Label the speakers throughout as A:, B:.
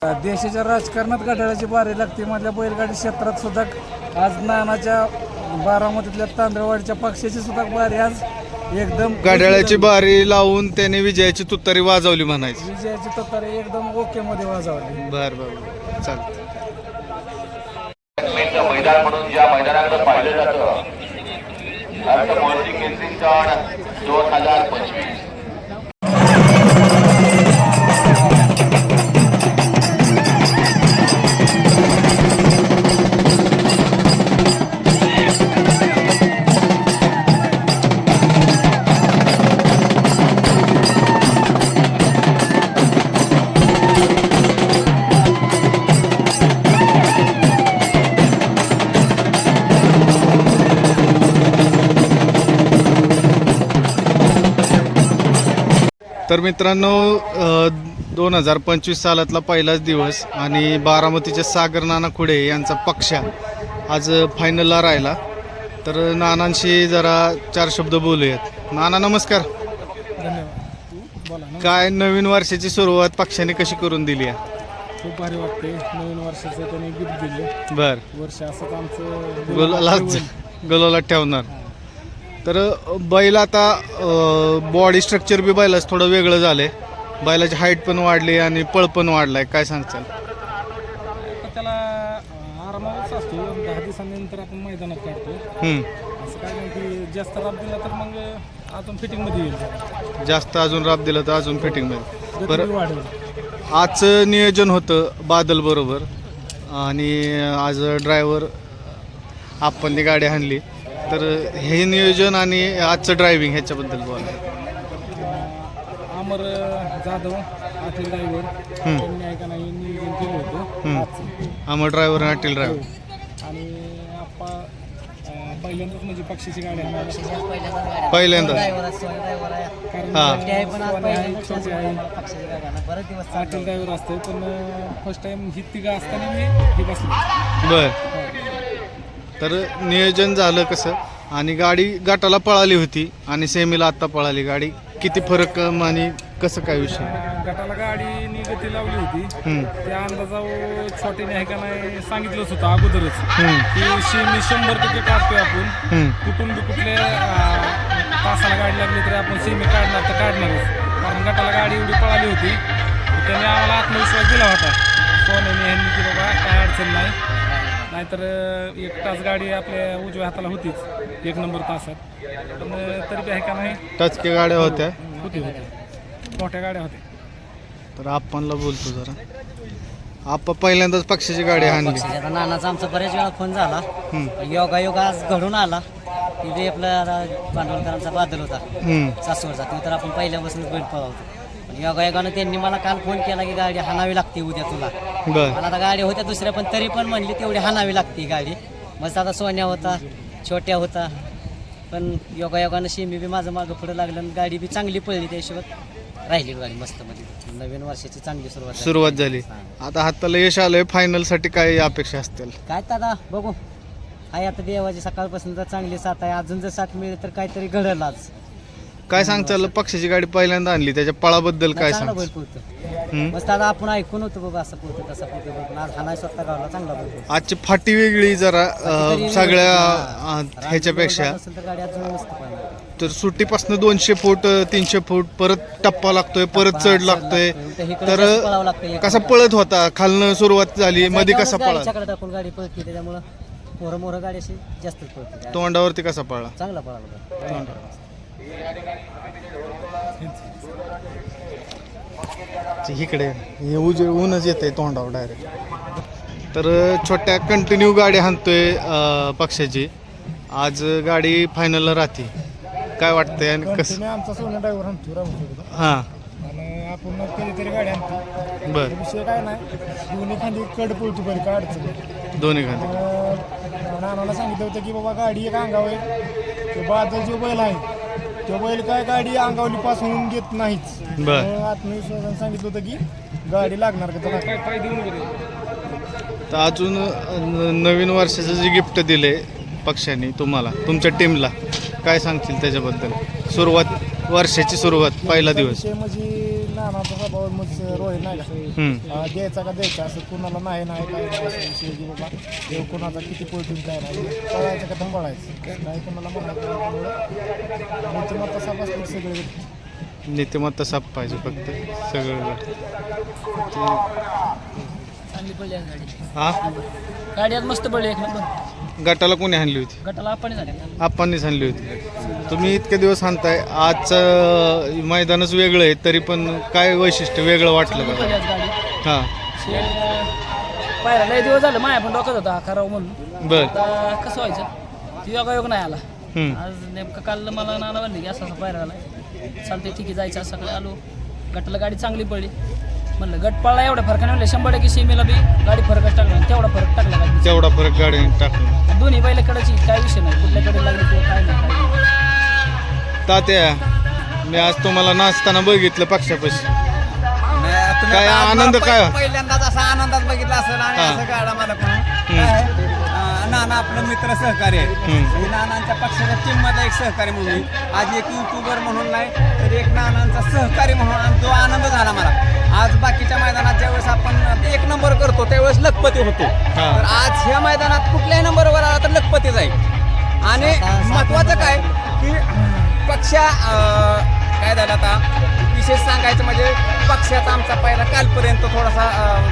A: देशाच्या राजकारणात घड्याळाची बारी लागते मधल्या बैलगाडी क्षेत्रात सुद्धा आज नानाच्या बारामतीतल्या तांदळवाडीच्या पक्षाची सुद्धा बारी आज एकदम
B: घड्याळाची बारी लावून त्याने विजयाची तुतारी वाजवली म्हणायची.
A: विजयाची तुतारी एकदम ओके मध्ये वाजवली.
B: बर बर चालतं.
C: मैदान म्हणून ज्या मैदानाकडे पाहिलं जातं केसरी सण 2025.
B: तर मित्रांनो 2025 सालातला पहिलाच दिवस आणि बारामतीचे सागर नाना खुडे यांचा पक्ष आज फायनलला राहिला. तर नानांशी जरा 4 शब्द बोलूयात. नाना नमस्कार.
A: धन्यवाद. बोला ना.
B: काय नवीन वर्षाची सुरुवात पक्षाने कशी करून दिली आहे?
A: खूप भारी वाटते. नवीन वर्षाचं त्याने गिफ्ट दिले.
B: बर
A: वर्ष असंच आमचं
B: गुलाला ठेवणार. तर बैल आता बॉडी स्ट्रक्चर बी बैलाच थोडं वेगळं झालंय. बैलाची हाईट पण वाढली आणि पळ पण वाढलाय. काय सांगचाल?
A: त्याला आरामावरच असतो. 10 दिवसांनंतर आपण मैदानात काढतो. असं काय नाही की जास्त राब दिला तर मग अजून फिटिंग मध्ये येईल.
B: जास्त अजून राब दिलं तर अजून फिटिंग मध्ये. बरं
A: वाढेल.
B: आजचं नियोजन होतं बादल बरोबर आणि आज ड्रायव्हर आपण गाडी आणली. तर हे नियोजन आणि आजचं ड्रायव्हिंग ह्याच्याबद्दल बोला.
A: अमर जाधव अटील ड्रायव्हर त्यांनी ऐका नाही नियोजन केलं होतं.
B: अमर ड्रायव्हर आणि अटील ड्रायव्हर
A: आणि आप्पा पहिल्यांदाच म्हणजे पक्षीची गाडी आहे.
B: पहिल्यांदा
A: अटील ड्रायव्हर असतो पण फर्स्ट टाइम ही तिघं असताना मी ही बसलो.
B: बर. तर नियोजन झालं कसं आणि गाडी गटाला पळाली होती आणि सेमीला आत्ता पळाली गाडी. किती फरक आणि कसं काय विषय?
A: गटाला गाडीनी गती लावली होती. त्या अंदाजावर छोटीने आहे का नाही सांगितलंच होतं अगोदरच की मी 100% काढतोय आपण. कुठून बी कुठल्या तासाला गाडी लागली तरी आपण सेमी काढणार तर काढणारच. कारण गटाला गाडी एवढी पळाली होती त्याने आम्हाला आत्मविश्वास दिला होता सोन्याने ह्यांनी की बाबा काय अडचण नाही. नाहीतर 1 तास गाडी आपल्या उजव्या हाताला होतीच 1 नंबर तासात. पण तरी बी आहे का नाही
B: टचके गाड्या होत्या.
A: होती मोठ्या गाड्या होत्या.
B: तर आपणला बोलतो जरा. आपण पहिल्यांदाच पक्षाची गाडी आणली.
D: आता नानाचा आमचा बऱ्याच वेळा फोन झाला. योगायोग आज घडून आला. तिथे आपला भांडवलकरांचा बादल होता सासवडचा. तो तर आपण पहिल्यापासूनच बैल पळवतो. योगायोगानं त्यांनी मला काल फोन केला की गाडी हाणावी लागते उद्या तुला. मला आता गाडी होत्या दुसऱ्या पण तरी पण म्हणली तेवढी हाणावी लागते गाडी. मस्त आता सोन्या होता छोट्या होता पण योगायोगानं शेमी बी माझं मागं पुढं लागलं आणि गाडी बी चांगली पळली. त्याशिवाय राहिली गाडी मस्त मध्ये. नवीन वर्षाची चांगली सुरुवात झाली.
B: आता हाताला यश आलंय. फायनल साठी काय अपेक्षा असतील?
D: काय दादा बघू. आहे आता देवाची सकाळपासून तर चांगली साथ आहे. अजून जर साथ मिळेल तर काहीतरी घडलं आज.
B: काय सांगचाल? पक्षाची गाडी पहिल्यांदा आणली त्याच्या पळाबद्दल काय सांग?
D: बैल पोहतो मस्त. आता आपण ऐकून होतो बाबा असं पोहतो तसं पोहतो पण आज हाना स्वतः गावला चांगला पोहतो.
B: आजची फाटी वेगळी जरा सगळ्या ह्याच्यापेक्षा.
D: गाडी अजून मस्त पाहिजे.
B: तर सुट्टीपासून 200 फूट 300 फूट परत टप्पा लागतोय परत चढ लागतोय. तर कसा पळत होता? खालनं सुरुवात झाली मध्ये कसा पळा?
D: टाकून गाडी पळते त्याच्यामुळे मोर गाडी अशी जास्त पळते.
B: तोंडावरती कसा पळला?
D: चांगला पळाला.
B: इकडे ऊनच येते तोंडावर डायरेक्ट. तर छोट्या कंटिन्यू गाडी हाणतोय पक्षाची. आज गाडी फायनलला राहते. काय वाटतंय आणि कसं?
A: आमचा सोन्या ड्रायव्हर आणतो
B: हां
A: आणि आपण कधीतरी गाडी आणतो.
B: बर.
A: विषय काय नाही. दोन्ही खाली कड पळतो बरी काय अडचण.
B: दोन्ही खाली
A: नानाला सांगितलं होतं की बाबा गाडी एक अंगावर आहे. तो बादल जो बैल आहे तो बैल काय गाडी अंगावली पासून घेत नाहीच. आत्मविश्वासाने सांगितलं होतं की गाडी लागणार का त्याला काय पाय देऊन वगैरे.
B: तर अजून नवीन वर्षाचं जे गिफ्ट दिले पक्षाने तुम्हाला तुमच्या टीमला काय सांगतील त्याच्याबद्दल? सुरुवात वर्षाची सुरुवात पहिला दिवस
A: म्हणजे
E: नानाचा स्वभाव मग रोहित नाही का द्यायचा का द्यायचा असं कुणाला नाही नाही काय नाही असं विषय की बाबा देव कुणाचा किती पळतून काय नाही पळायचं का थांबळायचं नाही कुणाला म्हणायचं नीतिमत्ता साफ असतील सगळे
B: नीतिमत्ता साफ पाहिजे फक्त सगळं
D: चांगली पडली आज गाडी
B: हा
D: गाडी आज मस्त पडली एक नंबर
B: गटाला कोणी आणली होती
D: गटाला आपण झाले
B: आपणच आणली होती तुम्ही इतके दिवस आणताय आजचं मैदानच वेगळं आहे तरी पण काय वैशिष्ट्य वेगळं वाटलं का
D: पडली आज गाडी
B: हां
D: पाहिला लय दिवस झालं माया पण डोक्यात होता करावं म्हणून
B: बर
D: आता कसं व्हायचं ती योगायोग नाही आला
B: हम्म.
D: आज नेमकं काल मला नाना म्हणले की असा असा पायरा आला चालते ठीक आहे जायचं आज सकाळी आलो गटाला गाडी चांगली पडली म्हणलं गट पळला एवढ्या फरकाने म्हणलं 100% सीमेला बी गाडी फरकच टाकला तेवढा फरक टाकला गाडी
B: तेवढा फरक गाडीने टाकला
D: दोन्ही बैलाकडेची काय विषय नाही कुठल्याकडे लागली किंवा काय नाही
B: तात्या मी आज तुम्हाला नाचताना बघितलं पक्षापाशी काय आनंद काय
F: पहिल्यांदाच असा आनंदात बघितला असेल आणि
B: हा.
F: असं गाडा मला पण नाना आपलं मित्र सहकारी आहे आणि नानांच्या पक्षाच्या टीममध्ये एक सहकारी म्हणून आज एक युट्यूबर म्हणून नाही तर एक नानांचा सहकारी म्हणून आणि तो आनंद झाला मला आज बाकीच्या मैदानात ज्यावेळेस आपण 1 नंबर करतो त्यावेळेस लखपती होतो तर आज ह्या मैदानात कुठल्याही नंबरवर आला तर लखपती जाईल आणि महत्वाचं काय की पक्षा काय झालं आता विशेष सांगायचं म्हणजे पक्षाचा आमचा पहिला कालपर्यंत थोडासा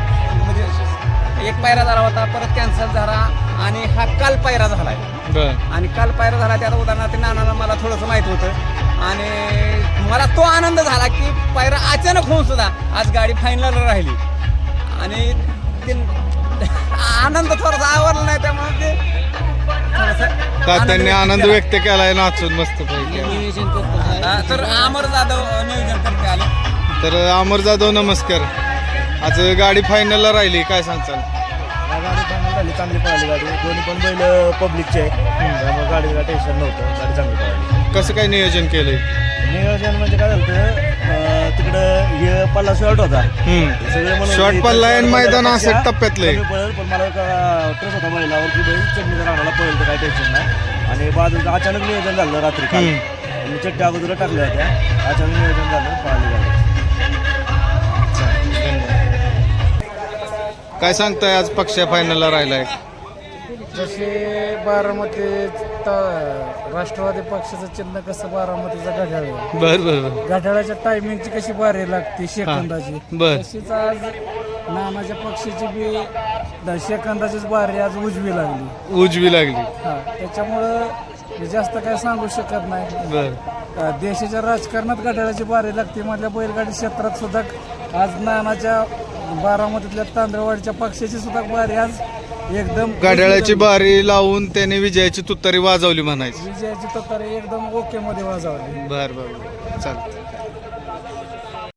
F: म्हणजे एक पायरा झाला होता परत कॅन्सल झाला आणि हा काल पायरा झाला आहे
B: बर
F: आणि काल पायरा झाला त्यात उदाहरणार्थ नानाला मला थोडंसं माहीत होतं आणि मला तो आनंद झाला की पायरा अचानक होऊन सुद्धा आज गाडी फायनल राहिली आणि ते आनंद थोडासा आवरला नाही त्यामुळे ते थोडंसं
B: तात्यांनी आनंद व्यक्त केलाय नाचून मस्त पैकी
D: नियोजन करतो
F: तर अमर जाधव नियोजन करते आले
B: तर अमर जाधव नमस्कार आज गाडी फायनलला राहिली काय सांगचाल
E: गाडी चांगली झाली चांगली पळाली गाडी दोन्ही पण बैल पब्लिकचे आहे त्यामुळे गाडीला टेन्शन नव्हतं गाडी चांगली पळाली
B: कसं काय नियोजन केलंय
E: नियोजन म्हणजे काय झालं तिकडं हे पल्ला शॉर्ट होता सगळे म्हणून
B: शॉर्ट पल्ला आहे आणि मैदान असं टप्प्यातलंय
E: कमी पळेल पण मला ट्रस होता बैलावर की बैल चटणीच्या राहण्याला पळेल तर काही टेन्शन नाही आणि बाजूचं अचानक नियोजन झालं रात्री काल मी चट्ट्या अगोदर टाकल्या होत्या अचानक नियोजन झालं पळाली गाडी
B: काय सांगताय आज पक्ष फायनलला राहिलाय
E: जसे बारामती राष्ट्रवादी पक्षाचं चिन्ह कसं बारामतीचा घड्याळ आहे.
B: बर बर बर
E: घड्याळाच्या टायमिंगची कशी बारी लागते सेकंदाची
B: बर
E: तशीच आज नानाच्या पक्षाची बी सेकंदाचीच बारी आज उजवी लागली
B: उजवी लागली
E: हा त्याच्यामुळं जास्त काय सांगू शकत नाही
B: बर
E: देशाच्या राजकारणात घड्याळाची बारी लागते मधल्या बैलगाडी क्षेत्रात सुद्धा आज नानाच्या बारामतीतल्या तांदळवाडीच्या पक्षाची सुद्धा बारी आज एकदम
B: घड्याळाची बारी लावून त्याने विजयाची तुतारी वाजवली म्हणायची
E: विजयाची तत्पर एकदम ओके मध्ये वाजवली
B: बर बर चालतं